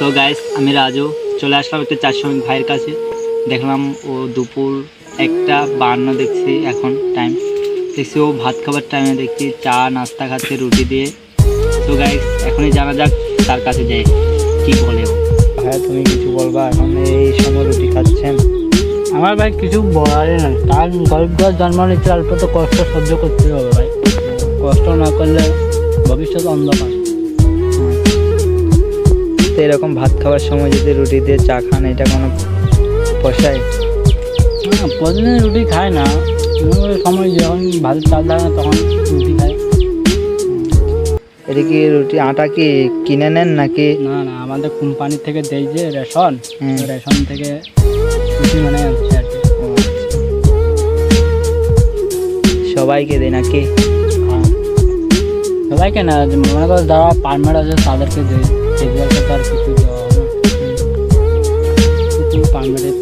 So guys, আমি রাজু চলে আসলাম একটা 4 শ্রমিক ভাইয়ের কাছে। দেখলাম ও দুপুর 1:52 দেখছি, এখন টাইম দেখছি ও ভাত খাবার টাইমে দেখছি চা নাস্তা খাচ্ছে রুটি দিয়ে। সো গাইস, এখনই জানা যাক তার কাছে যাই কি বলে ও। ভাই তুমি কিছু বলবা? এখন এই সময় রুটি খাচ্ছেন? আমার ভাই কিছু বলারই না, তার গরিব ঘর জন্ম নিচ্ছে, অল্প তো কষ্ট সহ্য করতে হবে ভাই। কষ্ট না করলে ভবিষ্যৎ অন্ধকার। তো এরকম ভাত খাওয়ার সময় যদি রুটি দিয়ে চা খান, এটা কোনো পোষায়? না, প্রতিদিন রুটি খায় না, ওই সময় যখন ভাত চাল থাকে না তখন রুটি খায়। এটা কি রুটি আটা কি কিনে নেন নাকি? না না, আমাদের কোম্পানি থেকে দেয় যে রেশন, হুম। রেশন থেকে রুটি মানে আনছে আর কি। সবাইকে দেয় নাকি? হ্যাঁ, সবাইকে না, মনে করো যারা পারমেন্ট আছে তাদেরকে দেয়, সেগুলোকে তো আর কিছু দেওয়া হয় না। পারমেন্টের